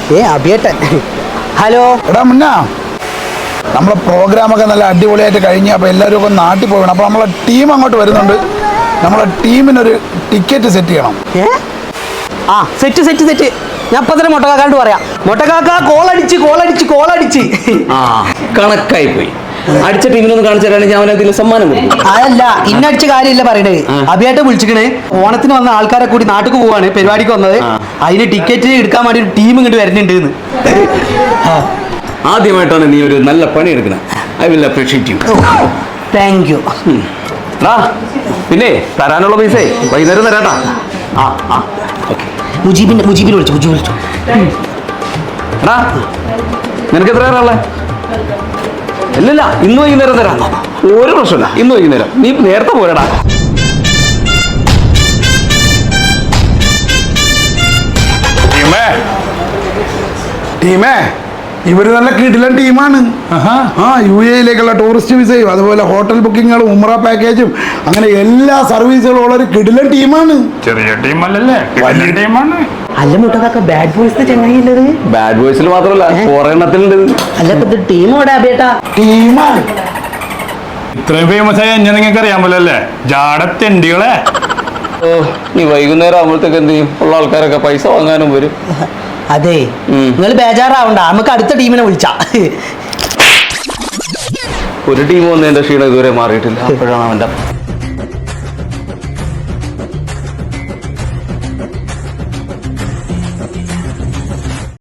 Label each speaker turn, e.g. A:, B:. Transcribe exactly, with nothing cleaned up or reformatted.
A: ഏ അഭിയേട്ടൻ. ഹലോ
B: എടാ മുന്ന, നമ്മളെ പ്രോഗ്രാമൊക്കെ നല്ല അടിപൊളിയായിട്ട് കഴിഞ്ഞ് അപ്പോൾ എല്ലാവരും ഒക്കെ നാട്ടിൽ പോകണം. അപ്പോൾ നമ്മളെ ടീം അങ്ങോട്ട് വരുന്നുണ്ട്. നമ്മളെ ടീമിനൊരു ടിക്കറ്റ് സെറ്റ് ചെയ്യണം.
A: ഏ ആ സെറ്റ് സെറ്റ് സെറ്റ് ഞാൻ ഇപ്പം തന്നെ മൊട്ടക്കാക്കാണ്ട് പറയാം. മൊട്ടക്കാക്ക കോളടിച്ച് കോളടിച്ച് കോളടിച്ച്
C: ആ കണക്കായി പോയി. അടിച്ച ടീമിനൊന്ന് കാണിച്ചു തരാണെങ്കിൽ ഞാൻ അതിൽ സമ്മാനം കൊടുക്കും.
A: അതല്ല ഇന്നടിച്ച കാര്യമില്ല പറയണത്. അഭിയായിട്ട് വിളിച്ചിക്കണേ, ഓണത്തിന് വന്ന ആൾക്കാരെ കൂടി നാട്ടിൽ പോവാണ്, പരിപാടിക്ക് വന്നത്. അതിന് ടിക്കറ്റ് എടുക്കാൻ വേണ്ടി ഒരു ടീം ഇങ്ങോട്ട് വരുന്നുണ്ട് എന്ന്.
C: ആദ്യമായിട്ടാണ് നീ ഒരു നല്ല പണി എടുക്കുന്നത്. I will appreciate you.
A: Thank you.
C: ആ പിന്നെ തരാനുള്ള പൈസ വൈകുന്നേരം തരാട്ടാ. ആ ആ ഓക്കെ.
A: മുജീബിന്റെ മുജീബിനെ വിളിച്ചു മുജീബ് വിളിച്ചു.
C: എടാ നിനക്ക് എത്ര പേരാളെ? ഇല്ലില്ല, ഇന്ന് വൈകുന്നേരം തരാം. ഒരു പ്രശ്നമില്ല, ഇന്ന് വൈകുന്നേരം. നീ നേരത്തെ പോരടാ.
B: ടീമേ ടീമേ ഇവര് നല്ല കിടിലൻ ടീമാണ്. ആ യു എയിലേക്കുള്ള ടൂറിസ്റ്റ് വിസയും അതുപോലെ ഹോട്ടൽ ബുക്കിങ്ങുകളും ഉംറ പാക്കേജും അങ്ങനെ എല്ലാ സർവീസുകളും ഉള്ള ഒരു കിടിലൻ ടീമാണ്.
D: ചെറിയ ടീമല്ലല്ലേ, വലിയ ടീമാണ്.
A: അല്ല മുട്ടക്കാക്ക ബാഡ് ബോയ്സ് ചങ്ങായില്ലത്.
C: ബാഡ് ബോയ്സിൽ മാത്രമല്ല കുറെ എണ്ണത്തിലുണ്ട്.
A: അല്ല ഇപ്പൊ ടീം ഇവിടെ അഭിയേട്ടാ
B: ടീമാണ്.
D: ഇത്രയും ഫേമസ് ആയ എന്നെ നിങ്ങൾക്ക് അറിയാൻ പറ്റല്ലേ, ജാടത്തെണ്ടികളെ.
C: ഓ നീ വൈകുന്നേരം ആകുമ്പോഴത്തേക്ക് എന്ത് ചെയ്യും? ഉള്ള ആൾക്കാരൊക്കെ പൈസ വാങ്ങാനും വരും.
A: അതെ നിങ്ങൾ ബേജാറാവണ്ട, നമുക്ക് അടുത്ത ടീമിനെ വിളിച്ചാ.
C: ഒരു ടീം വന്നതിന്റെ ക്ഷീണം ഇതുവരെ മാറിയിട്ടില്ല. അപ്പോഴാണ് അവന്റെ